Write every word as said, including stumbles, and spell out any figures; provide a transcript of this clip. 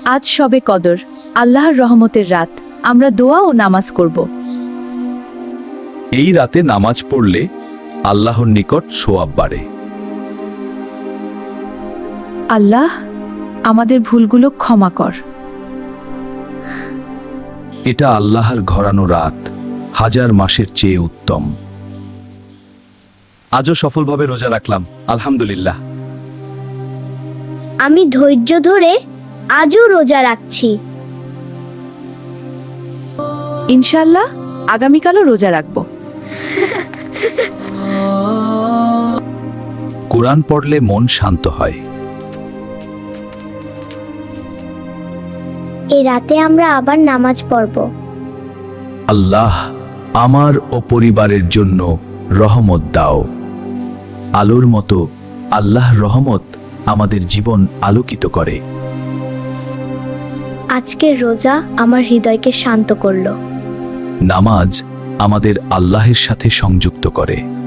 আজ শবে কদর, আল্লাহর রহমতের রাত। আমরা দোয়া ও নামাজ করব। এই রাতে নামাজ পড়লে আল্লাহর নিকট সোয়াব বাড়ে। আল্লাহ, আমাদের ভুলগুলো ক্ষমা কর। এটা আল্লাহর ঘরানো রাত, হাজার মাসের চেয়ে উত্তম। আজও সফলভাবে রোজা রাখলাম, আলহামদুলিল্লাহ। আমি ধৈর্য ধরে আজও রোজা রাখছি। ইনশাআল্লাহ আগামীকালও রোজা রাখব। কোরআন পড়লে মন শান্ত হয়। এ রাতে আমরা আবার নামাজ পড়ব। আল্লাহ, আমার ও পরিবারের জন্য রহমত দাও। আলোর মতো আল্লাহর রহমত আমাদের জীবন আলোকিত করে। আজকের রোজা আমার হৃদয়কে শান্ত করলো। নামাজ আমাদের আল্লাহের সাথে সংযুক্ত করে।